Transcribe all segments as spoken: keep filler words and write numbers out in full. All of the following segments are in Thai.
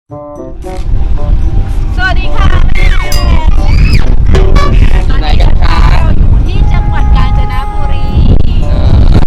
สวัสดีค่ะแม่ตอนนี้นะคะเราอยู่ที่จังหวัดกาญจนบุรีเมื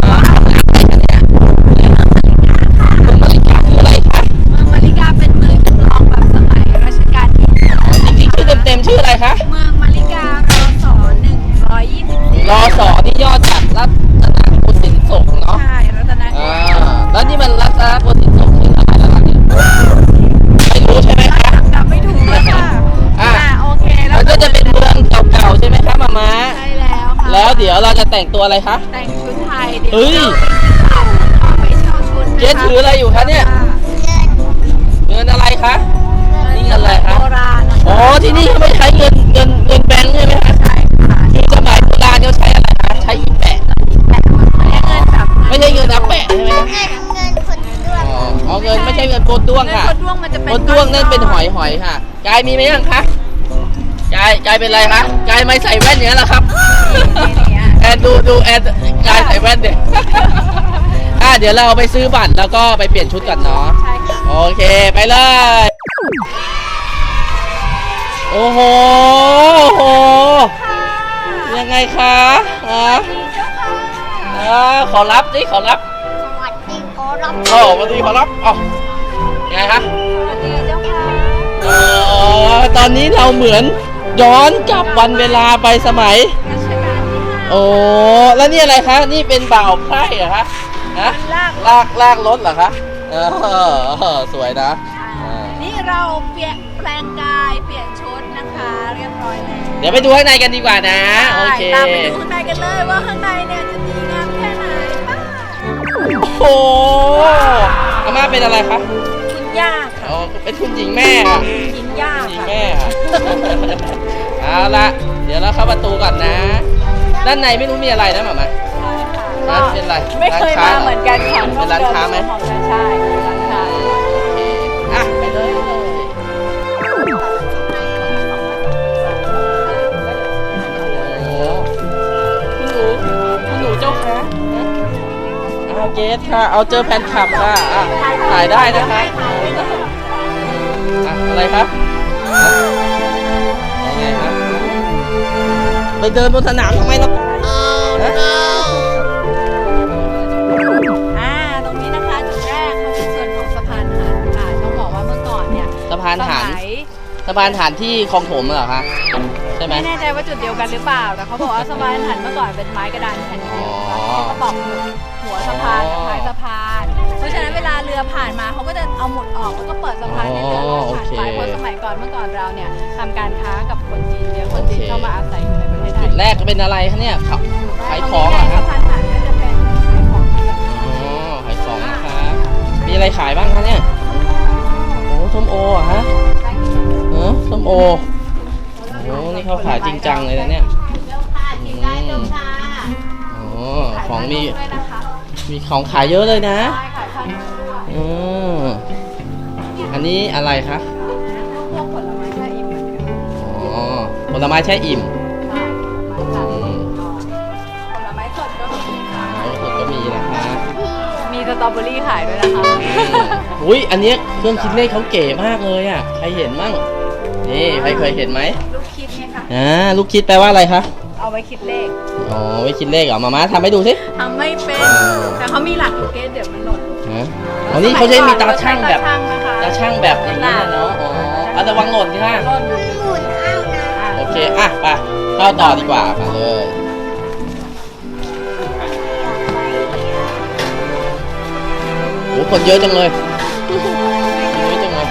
องมาริกาเป็นเมืองจำลองแบบสมัยรัชกาลที่จริงๆชื่อเต็มๆชื่ออะไรคะเมืองมาริการอสหนึ่งร้อยยี่สิบสี่รอสอที่ย่อจากรัตนโกสินทร์ศกเนาะใช่รัตนโกสินทร์แล้วนี่มันรัตนโกสินทร์ศกชื่ออะไรแล้วล่ะเนี่ยไม่รู้ใช่ไหมคะจำไม่ถูกเลยค่ะอ่าโอเคแล้วมันก็จะเป็นเมืองเก่าๆใช่ไหมคะมาม่าใช่แล้วค่ะแล้วเดี๋ยวเราจะแต่งตัวอะไรคะแต่งชุดไทยเดี๋ยวเราไปเช่าชุดเจ๊ถืออะไรอยู่คะเนี่ยเงินอะไรคะนี่เงินอะไรคะโบราณอ๋อที่นี่เขาไม่ใช้เงินเงินเงินแบงค์ใช่ไหมคะใช่ค่ะที่สมัยโบราณเขาใช้อะไรคะใช้อีแปะไม่ใช่เงินอาแปะใช่ไหมคะเงินคนด้วงอ๋อเงินไม่ใช่เงินโกด้วงค่ะโกด้วงมันจะเป็นโกด้วงนั่นเป็นหอยหอยค่ะกายมีไหมยังคะกายกายเป็นไรคะกายไม่ใส่แว่นอย่างนั้นหรอครับแอนดูดูแอนกายใส่แว่นเด็กอ่ะเดี๋ยวเราไปซื้อบัตรแล้วก็ไปเปลี่ยนชุดกันเนาะใช่ค่ะโอเคไปเลยโอ้โหโอ้โหยังไงคะอ๋ออ๋อขอรับสิขอรับสวัสดีขอรับโอ้สวัสดีขอรับอ๋อไงคะสวัสดีเจ้าค่ะอ๋อตอนนี้เราเหมือนย้อนกลับวันเวลาไปสมัยรัชกาลที่ห้าโอ้แล้วนี่อะไรคะนี่เป็นบ่าวไพร่เหรอคะนะลากลากลากรถเหรอคะเออสวยนะนี่เราเปลี่ยนแปลงกายเปลี่ยนชุดนะคะเรียบร้อยแล้วเดี๋ยวไปดูข้างในกันดีกว่านะโอเคตามไปดูข้างในกันเลยว่าข้างในเนี่ยจะดีงามแค่ไหนบ้างโอ้โหอาม่าเป็นอะไรคะคุณย่าค่ะอ๋อเป็นคุณหญิงแม่ค่ะหญิงย่าหญิงแม่ค่ะเอาละเดี๋ยวเราเข้าประตูก่อนนะด้านในไม่รู้มีอะไรนะหม่ามาก็เป็นไรไม่เคยมาเหมือนกันค่ะเป็นร้านค้าไหมใช่ร้านค้าอ่ะไปเลยคุณหนูคุณหนูเจ้าคะเอาเกสค่ะเอาเจอแฟนคลับค่ะอ่ะถ่ายได้นะคะอ่ะอะไรครับยังไงครับไปเดินบนสนามทำไมล่ะอ่าตรงนี้นะคะจุดแรกเขาเป็นส่วนของสะพานหันค่ะต้องบอกว่าเมื่อก่อนเนี่ยสะพานหันสะพานหันที่คลองถมเหรอคะใช่ไหมไม่แน่ใจว่าจุดเดียวกันหรือเปล่าแต่เขาบอกว่าสะพานหันเมื่อก่อนเป็นไม้กระดานแผ่นเดียวเขาตอกหัวสะพานกับท้ายสะพานเพราะฉะนั้นเวลาเรือผ่านมาเขาก็จะเอาหมุดออกแล้วก็เปิดสะพานให้เรือผ่านไปเพราะสมัยก่อนเมื่อก่อนเราเนี่ยทำการค้ากับคนจีนเยอะคนจีนเข้ามาอาศัยอยู่ในประเทศไทยจุดแรกเป็นอะไรคะเนี่ยขายของเหรอครับสะพานหันก็จะเป็นขายของอ๋อขายของนะครับมีอะไรขายบ้างคะเนี่ยโอ้ส้มโออ่ะฮะเออส้มโอโอ้นี่เขาขายจริงจังเลยนะเนี่ยอ๋อของมีมีของขายเยอะเลยนะอืมอันนี้อะไรคะพวกผลไม้แช่อิ่มอ๋อผลไม้แช่อิ่มผลไม้สดก็มีค่ะสดก็มีนะคะมีสตรอเบอรี่ขายด้วยนะคะอุ้ยอันนี้เครื่องคิดเลขเขาเก๋มากเลยอ่ะใครเห็นมั่งนี่ใครเคยเห็นไหมลูกคิดไงคะอ่าลูกคิดแปลว่าอะไรคะเอาไว้คิดเลขอ๋อไว้คิดเลขเหรอมาม่าทำให้ดูสิทำไม่เป็นแต่เขามีหลักอยู่เกณฑ์เดี๋ยวมันหล่นอ๋อนี่เขาใช้มีตาช่างแบบตาช่างแบบอย่างนี้เนาะอ๋อเอาระวังหล่นค่ะหล่นโอเคอ่ะไปเข้าต่อดีกว่ามาเลยโอ้คนเยอะจังเลยเยอะจังเลย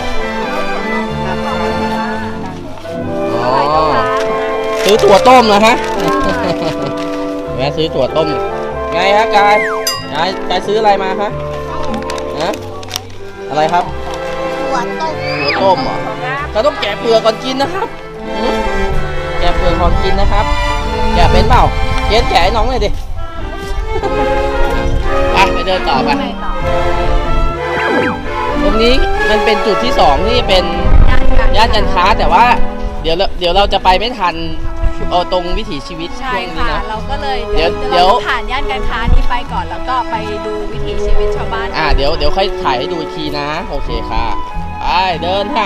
อ๋อซื้อถั่วต้มนะฮะแม่ซื้อถั่วต้มไงฮะกายกายกายซื้ออะไรมาคะฮะอะไรครับหัวต้มหัวต้มเหรอเราต้องแกะเปลือกก่อนกินนะครับแกะเปลือกก่อนกินนะครับแกะเป็นเปล่าเกสแกะให้น้องเลยดิไปไปเดินต่อไปตรงนี้มันเป็นจุดที่สองที่เป็นย่านการค้าแต่ว่าเดี๋ยวเดี๋ยวเราจะไปไม่ทันเอาตรงวิถีชีวิตช่วงนี้นะเราก็เลยเดี๋ยวเดี๋ยวผ่านย่านการค้านี้ไปก่อนแล้วก็ไปดูวิถีชีวิตชาวบ้านอ่าเดี๋ยวเดี๋ยวค่อยถ่ายให้ดูอีกทีนะโอเคค่ะไปเดินค่ะ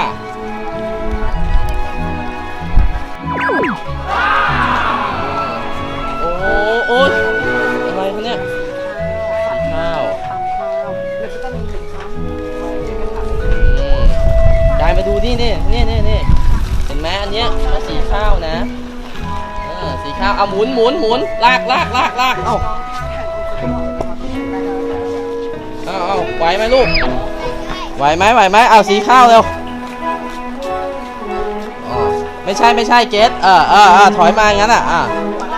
โอ้โหโอ๊ยอะไรคะเนี่ยสีข้าวอืมกายมาดูนี่นี่นี่นี่นี่เห็นไหมอันเนี้ยก็สีข้าวนะเออสีข้าวเอาหมุนหมุนหมุนลากลากลากลากเอ้าเอาเอาไหวไหมลูกไหวไหมไหวไหมเอาสีข้าวเร็วอ๋อไม่ใช่ไม่ใช่เกสเออเออเออถอยมาอย่างนั้นอ่ะอ่ะ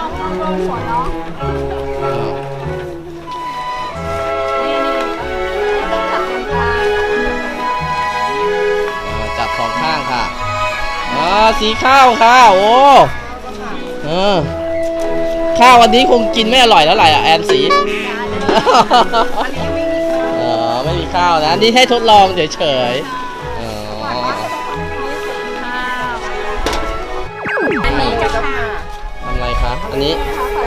จับสองข้างค่ะอ๋อสีข้าวค่ะโอ้เออข้าววันนี้คงกินไม่อร่อยแล้วไหร่อ่ะแอนสีเออไม่มีข้าวนะนี่ให้ทดลองเฉยๆอ๋ออันนี้จะค่ะทำอะไรคะอันนี้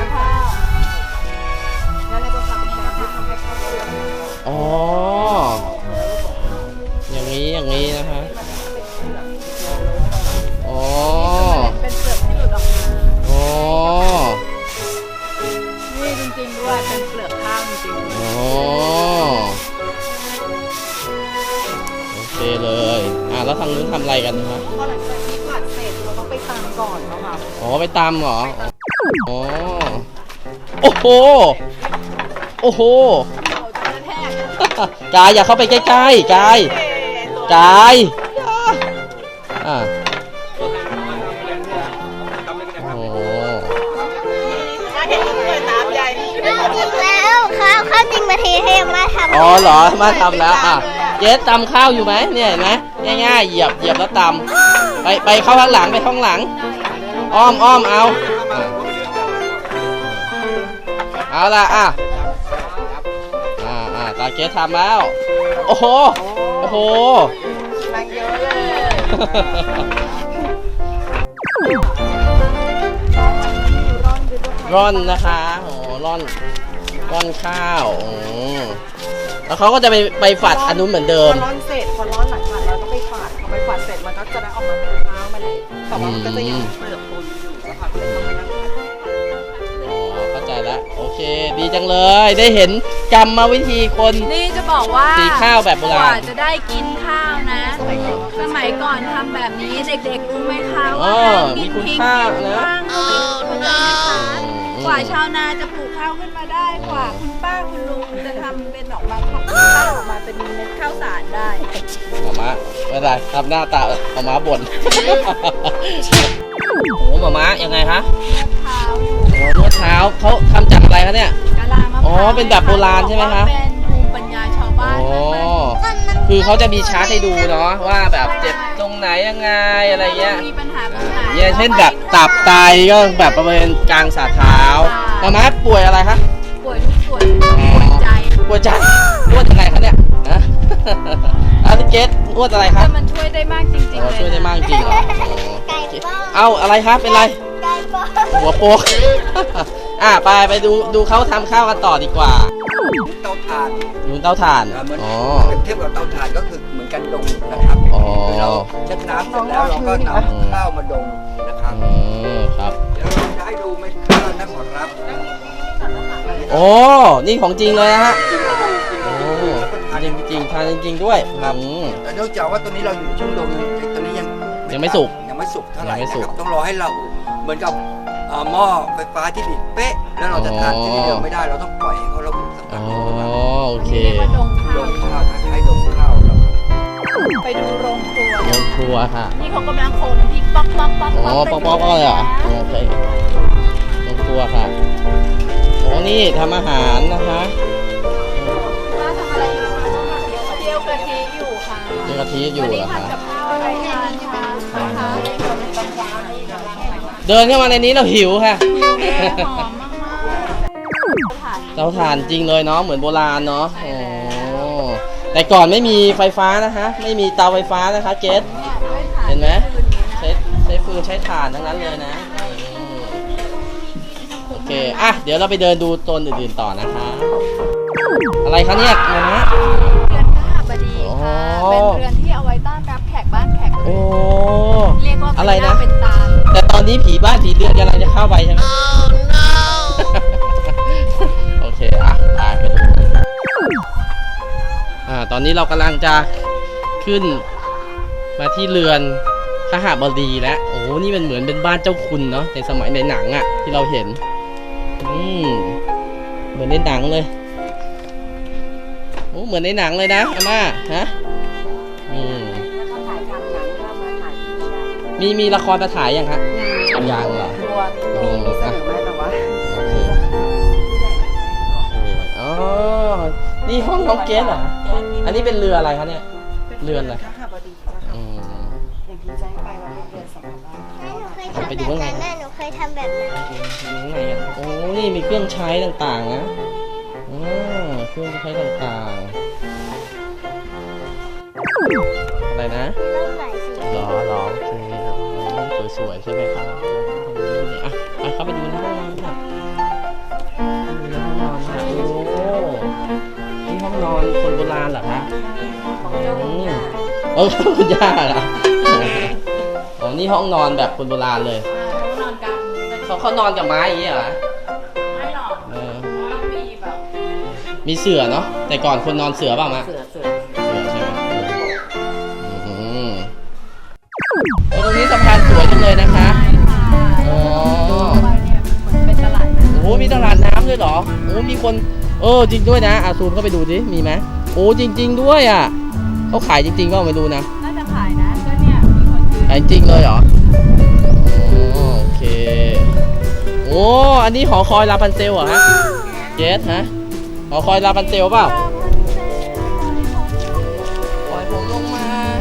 อ๋ออย่างนี้อย่างนี้นะคะอ๋อเป็นเปลือกที่หลุดออกมาอ๋อนี่จริงๆด้วยเป็นเปลือกข้าวจริงอ๋อโอเคเลยอ่ะแล้วทางนู้นทำอะไรกันคะๆพอหลังจากที่ผัดเสร็จเราต้องไปตำก่อนเนาะค่ะอ๋อไปตำเหรออ๋อโอ้โหโอ้โหเราจะกระแทกกายอย่าเข้าไปใกล้ๆกายกายอ่ะโอ้โหถ้าเห็นเปิดน้ำใหญ่ข้าวจริงแล้วข้าวข้าวจริงมาเทให้มาทำอ๋อเหรอมาทำแล้วอ่ะเจ๊ตำข้าวอยู่ไหมเนี่ยเห็นไหมง่ายๆเหยียบเหยียบแล้วตำไปไปเข้าข้างหลังไปข้างหลังอ้อมอ้อมเอาอ่ะเอาละอ่ะอ่าอ่าตาเจ๊ทำแล้วโอ้โหโอ้โหแรงเยอะเลยร่อนนะคะโอ้ร่อนร่อนข้าวโอ้แล้วเขาก็จะไปไปฝัดอันนู้นเหมือนเดิพมอร้อนเสร็จพอร้อนหลังจากเราต้องไปฝาดพอไปฝาดเสร็จมันก็จะได้ออกมาเป็นข้าวมาเลยแต่ว่ามันก็จะยังมีเปลือกปนอยู่นะคะก็เลยต้องไปนั่งผัดอ๋อเข้าใจแล้วโอเคดีจังเลยได้เห็นกรรมวิธีคนนี่จะบอกว่าสีข้าวแบบโบราณกว่าจะได้กินข้าวนะ สมัยก่อนทำแบบนี้เด็กๆรู้ไหมคะอ๋ว่าอการมีกินคุณพริกค่ากินนะข้างก็มีคุณค่านะคะอืมกว่าชาวนาจะปลูกข้าวขึ้นมาได้กว่าคุณป้าคุณลุงจะทำเป็นออกมาข้าวออกมาเป็นเม็ดข้าวสารได้หมาม้าไม่เป็นไรทำหน้าตาหมาม้าบ่น โอ้หมาม้ายังไงคะเท้าอยู่โอ้นวดเท้าเขาทำจากอะไรคะเนี่ยกะลามะพร้าวอ๋อเป็นแบบโบราณใช่ไหมคะบอกว่าเป็นภูมิปัญญาชาวบ้านอ๋อมากคือเขาจะมีชาร์ตให้ดูเนาะว่าแบบเจ็บตรงไหนยังไงอะไรเงี้ยมีปัญหาตรอ่างไหนเนี่ยเช่นแบบตับไตก็แบบประเมินกลางฝ่าเท้าหมาม้าป่วยอะไรคะป่วยทุกส่วนปวดใจป่วยใจนวดยังไงคะเนี่ยนะ อาทิเกตนวดอะไรครับแต่มันช่วยได้มากจริงๆอ๋อเลยช่วยได้มากจริงเหรออ๋อไก่ป้อนเอาอะไรครับเป็นไรไก่ป้อนหัวโปก อ่ะไปไปดูดูเขาทำข้าวกันต่อดีกว่าเตาถ่านดูเตาถ่านอ่าเหมือนอ๋อเทียบกับเตาถ่านก็คือเหมือนกันดงนะครับอ๋อคือเราเช็ดน้ำเสร็จแล้วเราก็นำข้าวมาดงนะครับอืมครับเดี๋ยวเราจะให้ดูเม็ดข้าวนะขอรับโอ้นี่ของจริงเลยนะฮะโอ้จริงจริงทานจริง ๆ ด้วยอืมแต่เนื่องจากว่าตัวนี้เราอยู่ในช่วงดงตอนนี้ยังยังไม่สุกยังไม่สุกเท่าไหร่ยังไม่สุกนะครับต้องรอให้เราเหมือนกับเอ่อหม้อไฟฟ้าที่ดิดเป๊ะแล้วเราจะทานที่เดิมไม่ได้เราต้องปล่อยให้เขาระเบิดสักพัอ๋กอหนึ่งนะครับโอเคเรียกว่าดงข้าดวงข้าวคล้ายๆดงข้าวครับไปดูโรงครัวโรงครัวค่ะนี่เขากำลังโขลกน้ำพริกป๊อกป๊อกป๊อกอ๋อป๊อกป๊อกเลยเหรอโอเคโรงครัวค่ะโอ้นี่ทำอาหารนะคะป้าทำอะไรอยู่เจียวกะทิอยู่ค่ะเจียวกะทิอยู่เหรอคะวันนี้ทำกับข้าวอะไรทานคะนะคะเดินเข้ามาในนี้เราหิวค่ะหอมมากๆเตาถ่านจริงเลยเนาะเหมือนโบราณเนาะโอ้แต่ก่อนไม่มีไฟฟ้านะคะไม่มีเตาไฟฟ้านะคะเกสเห็นไหมใช้ใช้ฟืนใช้ถ่านทั้งนั้นเลยนะอืมโอเคอ่ะเดี๋ยวเราไปเดินดูโซนอื่นๆต่อนะคะ อะไรคะเนี่ยนะฮะเรือนข้าบดีค่ะอ๋อเป็นเรือนที่เอาไว้ต้อนไปอนนี้ผีบ้านผีเรือนกำลังจะเข้าไปใช่ไหม โอเคอ่ะไปไปดูอ่าตอนนี้เรากำลังจะขึ้นมาที่เรือนขหบดีแล้วโอ้นี่มันเหมือนเป็นบ้านเจ้าคุณเนาะในสมัยในหนังอะที่เราเห็นอืมเหมือนในหนังเลยโอ้เหมือนในหนังเลยนะอาม่าฮะอืมมีมีละครมาถ่ายยังฮะยังเหรอตัวมีมีเสนอไหมแต่ว่าโอเคอ๋อนี่ห้องน้องเกสเหรออันนี้เป็นเรืออะไรคะเนี่ยเรือนอะไรข้าบดีนะคะอืมอย่างที่แจ้งไปว่าเป็นเดือนสำหรับบ้านหนูเคยทำแบบนั้นน่ะหนูเคยทำแบบนั้นอยู่ข้างในอ่ะโอ้นี่มีเครื่องใช้ต่างๆนะอ๋อเครื่องใช้ต่างๆอะไรนะต้องหลายสีหรอหรอโอเคห้องสวยๆใช่ไหมครับนี่อ่ะไปเข้าไปดูในห้องนอนค่ะดูในห้องนอนค่ะโอ้นี่ห้องนอนคนโบราณเหรอคะอืมเออคุณย่าเหรออ๋อนี่ห้องนอนแบบคนโบราณเลยเขานอนกลางมุ้งกันเขาเขานอนกับไม้อย่างนี้เหรอไม่หรอกเออต้องมีแบบมีเสื่อเนาะแต่ก่อนคนนอนเสื่อเปล่ามะเสือเสือเสื่อใช่ไหมอืมโอ้ตรงนี้สะพานสวยจังเลยนะคะใช่ค่ะอ๋อไปเนี่ยมันเหมือนเป็นตลาดนะโอ้มีตลาดน้ำด้วยเหรอโอ้มีคนเออจริงด้วยนะอาซูมเข้าไปดูดิมีไหมโอ้จริง ๆด้วยอ่ะเขาขายจริงๆก็ไม่รู้นะน่าจะขายนะก็เนี่ยมีคนยืนขายจริงเลยเหรอโอ้โอเคโอ้อันนี้หอคอยลาพันเซลเหรอฮะเจสฮะหอคอยลาพันเซลเปล่าปล่อยผมลงมา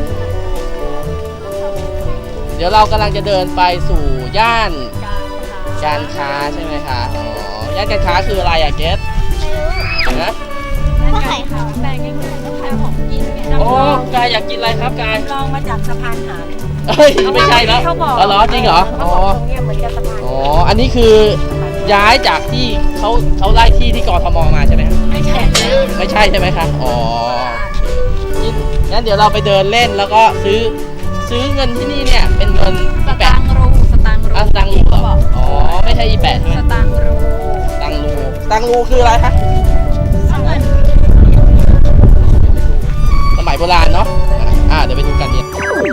เดี๋ยวเรากำลังจะเดินไปสู่ย่านการค้าการค้าใช่ไหมคะอ๋อย่านการค้าคืออะไรอะเกสนะพวกขายของแบงก์ก็คือพวกขายของกินไงโอ้กายอยากกินอะไรครับกายลองมาจากสะพานหานเอ้ยไม่ใช่แล้วเขาบอกอ๋อเหรอจริงเหรอเขาอ๋อบอกตรงเนี้ยเหมือนกับสะพานอ๋ออันนี้คือย้ายจากที่เขาเขาไล่ที่ที่กทมมาใช่ไหมไม่ใช่ไม่ใช่ใช่ไหมคะอ๋อนี่งั้นเดี๋ยวเราไปเดินเล่นแล้วก็ซื้อซื้อเงินที่นี่เนี่ยเป็นเงินสแปตาดงค์รูสตางค์รูอ่ะสตังค์รูเหรออ๋อไม่ใช่อีแปดใช่ไหมสตางค์รูสตังค์รูสตังค์รูคืออะไรคะเงินสมัยโบราณเนาะอ่าเดี๋ยวไปดูกันเนี่ย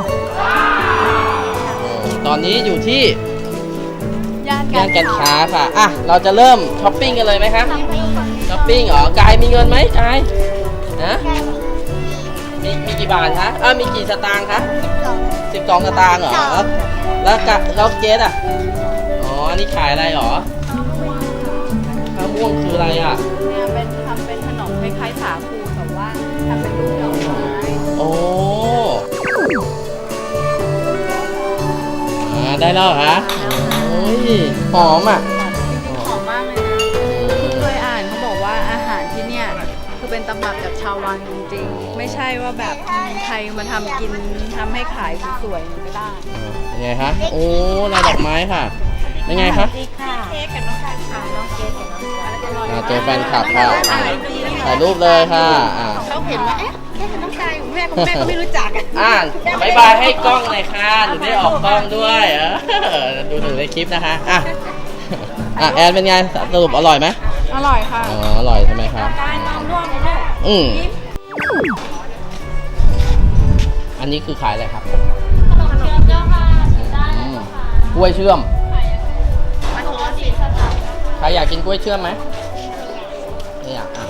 ตอนนี้อยู่ที่ย่านย่านการค้าค่ะอ่ะเราจะเริ่มช้อปปิ้งกันเลยไหมคะช้อปปิ้งเหรอกายมีเงินไหมกายนะมีมีกี่บาทคะอ่ามีกี่สตางค์คะสิบสองสตางค์เหรอแล้วแล้วกะแล้วเกสอ่ะอ๋ออันนี้ขายอะไรเหรอข้าวม่วงคืออะไรอ่ะเนี่ยเป็นทำเป็นขนมคล้ายๆสาคูแต่ว่าทำเป็นรูปดอกไม้โอ้อ่าได้แล้วเหรอคะโอ้ยหอมอ่ะหอมมากเลยนะเคยอ่านเขาบอกว่าอาหารที่เนี่ยคือเป็นตำรับจากชาววังจริงๆ ไม่ใช่ว่าแบบใครมาทำกินทำให้ขายสวยๆไม่ได้เป็นไงคะโอ้ลายดอกไม้ค่ะเป็นไงคะดีค่ะเค้กกับน้องการค่ะน้องเค้กกับน้องการอ่าเจอแฟนคลับค่ะอ่าถ่ายรูปเลยค่ะอ่าเขาเห็นว่าเอ๊ะเค้กกับน้องการของแม่ของแม่ก็ไม่รู้จักอ่าบายบายให้กล้องเลยค่ะหนูได้ออกกล้องด้วยเออดูหนูในคลิปนะคะอ่ะอ่ะแอนเป็นไงสรุปอร่อยไหมอร่อยค่ะอ๋ออร่อยใช่ไหมครับอืมอันนี้คือขายอะไรครับอืมกล้วยเชื่อมใครอยากกินกล้วยเชื่อมไหมไม่อยากอ่ะ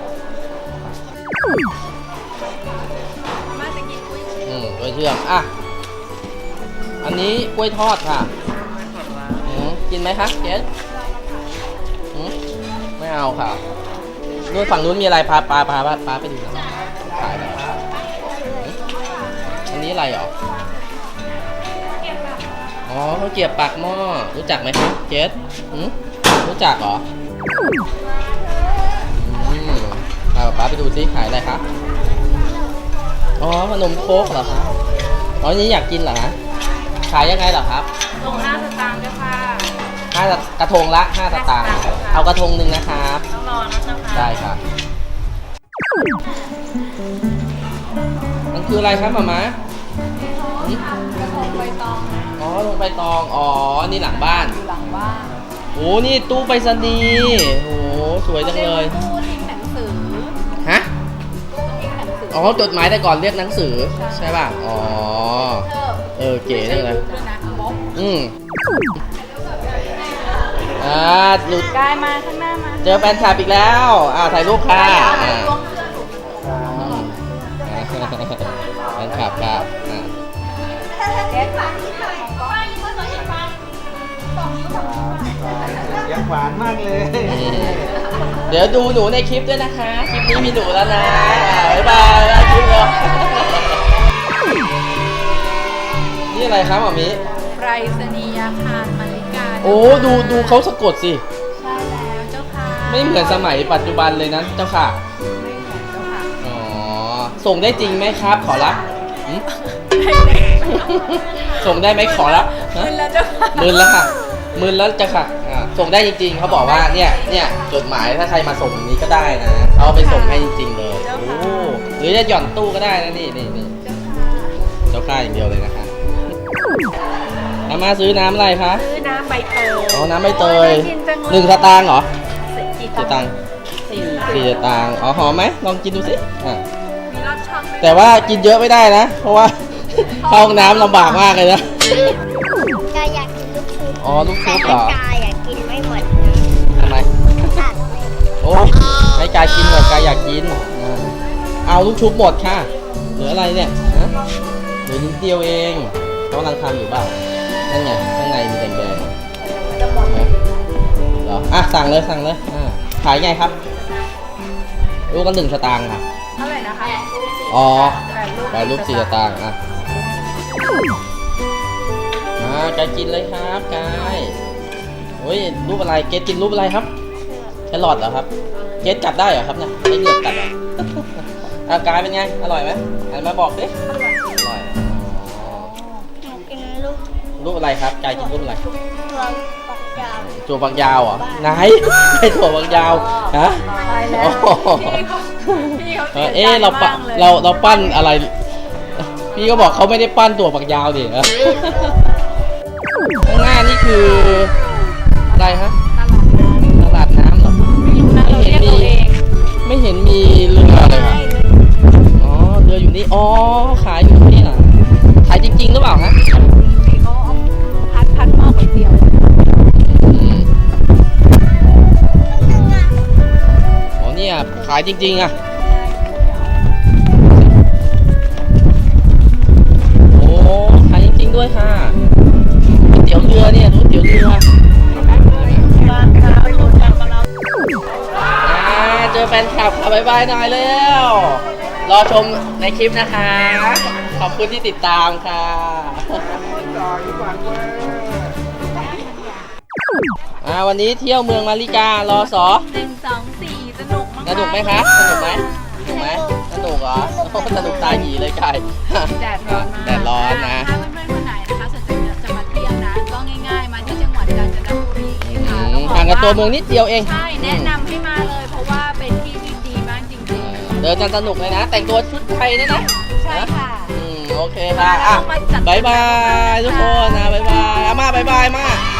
มาจะกินกุ้ยอืมกล้วยเชื่อมอ่ะอันนี้กล้วยทอดค่ะอืมกินไหมคะเกสอืมไม่เอาค่ะนู่นฝั่งนู้นมีอะไรพาปลาพาปลาปลาไปดูหน่อยขายอะไรอืมอันนี้อะไรหรออ๋อเขาวเกรียบปากหม้อรู้จักไหมครับเกสอืมรู้จักเหรออืมพาป้าไปดูซิขายอะไรครับอ๋อขนมโค้กเหรอครับอ๋อนี้อยากกินเหรอฮะขายยังไงเหรอครับลงห้าสตางค์ด้วยค่ะห้ากระทงละห้าสตางค์เอากระทงหนึ่งนะครับต้องรอนะเจ้าค่ะได้ครับมันคืออะไรครับหมาม้าอืหืมกระทงใบตองอ๋อลงไปตองอ๋อนี่หลังบ้านอยู่หลังบ้านโอ้นี่ตู้ไปรษณีย์โอ้สวยจังเลยตู้ทิ้งหนังสือฮะตู้ทิ้งหนังสืออ๋อจดหมายแต่ก่อนเรียกหนังสือใช่ใช่ป่ะอ๋อเธอเออเก๋จังเลยด้วยนะมกอืมอ่าหลุดกายมาข้างหน้ามาเจอแฟนคลับอีกแล้วอ่าถ่ายรูปค่ะกายเอาอ่าล้วงเสื้อหนูอืมแฟนคลับครับอ่าเอ๊ะฝากที่ไหนของก้อยนี่ก็สวยอีกฟังบอกนี้บอกนี้ยังหวานมากเลยอืมเดี๋ยวดูหนูในคลิปด้วยนะคะ คลิปนี้มีหนูแล้วนะอ่าบ๊ายบายบ๊ายบายคลิปเลยนี่อะไรครับหมอมิไปรษณียาคารมาริกาโอ้ดูดูเขาสะกดสิใช่แล้วเจ้าค่ะไม่เหมือนสมัยปัจจุบันเลยนะเจ้าค่ะไม่เหมือนเจ้าค่ะอ๋อ ส่งได้จริงไหมครับ ขอรับหึ ส่งได้ไหมขอรับฮะมึนแล้วเจ้าค่ะหมื่นแล้วค่ะหมื่นแล้วจะค่ะอ่าส่งได้จริงๆ เขาบอกว่าเนี่ยเนี่ยจดหมายถ้าใครมาส่งอย่างนี้ก็ได้นะ เอาไปส่งให้จริงๆเลย โอ้หรือจะหย่อนตู้ก็ได้นะนี่นี่นี่เจ้าค่าอย่างเดียวเลยนะคะอามาซื้อน้ำอะไรคะซื้อน้ำใบเตยอ๋อ น้ำใบเตยกินจังเลยหนึ่งสตางค์เหรอกี่สี่ตังค์สี่สี่สตางค์อ๋อหอมไหมลองกินดูสิอ่ะมีรสช่องไหมแต่ว่ากินเยอะไม่ได้นะ เพราะว่า เข้าห้องน้ำลำบากมากเลยนะกายอยากกินลูกชุบอ๋อลูกชุบเหรแต่อว่ากายอยากกินไม่หมดทำไมตัดโอ้ให้กายกินหน่อยกายอยากกินอ่าเอาลูกชุบหมดค่ะเหลืออะไรเนี่ยฮะเหลือนิดเดียวเองเขากำลังทำอยู่เปล่านั่นไงข้างในมีแดงๆจะหมดนะเหรออ่ะสั่งเลยสั่งเลยอ่าขายไงครับลูกก็หนึ่งสตางค์ค่ะเท่าไหร่นะคะอ๋อแปดลูกแปดรูปสี่สตางค์อ่ะอ่ากายกินเลยครับกายโอ้ยรูปอะไรเกดกินรูปอะไรครับแครอทเหรอครับเกดกัดได้เหรอครับเนี่ยไม่เหงือกกัดเหรอ อ่ะกายเป็นไงอร่อยไหมหันมาบอกดิอร่อยอ๋ออยากกินลูกรูปอะไรครับกายกินรูปอะไรตัวปักยาวถั่วฝักยาวเหรอไหนไอ้ถั่วฝักยาวฮะตายแล้วโอ้โหพี่เขาพี่เขาเอเสีอยใจเอ๊ะเราปะมากเลยเราเราปั้นอะไร พี่ก็บอกเขาไม่ได้ปั้นตัวฝักยาวดิเออข้างหน้านี่คืออะไรฮะตลาดน้ำตลาดน้ำเหรอไม่รู้นะเราเรียกตัวเองไม่เห็นมีเรือเลยครับอ๋อเรืออยู่นี่อ๋อขายอยู่ที่นี่เหรอขายจริงๆหรือเปล่าฮะพี่เขาเอาพัดพัดหม้อก๋วยเตี๋ยวอืมอ๋อเนี่ยขายจริงๆอ่ะโอ้ขายจริงๆด้วยค่ะก๋วยเตี๋ยวเรือเนี่ยก๋วยเตี๋ยวเรืออ่าเจอแฟนคลับค่ะบ๊ายบายหน่อยแล้วรอชมในคลิปนะคะ ขอบคุณที่ติดตามค่ะ อ่าวันนี้เที่ยวเมืองมาริการอสอหนึ่งสองสี่สนุกมากสนุกไหมคะสนุกไหมสนุกไหมสนุกเหรอโอ้สนุกตาหยีเลยกายแดดร้อนมากแดดร้อนนะถ้าเพื่อนๆคนไหนนะคะสนใจจะมาเที่ยวนะก็ง่ายๆมาที่จังหวัดกาญจนบุรีอืค่ะมห่างกับตัวเมืองนิดเดียวเองใช่แนะนำให้มาเลยเพราะว่าเป็นที่ที่ดีมากจริงเดินกันสนุกเลยนะ แต่งตัวชุดไทยด้วยนะๆ ใช่ค่ะอืมโอเคค่ะอ่ะบายบายทุกคนนะบายบายอาม่าบายบายมา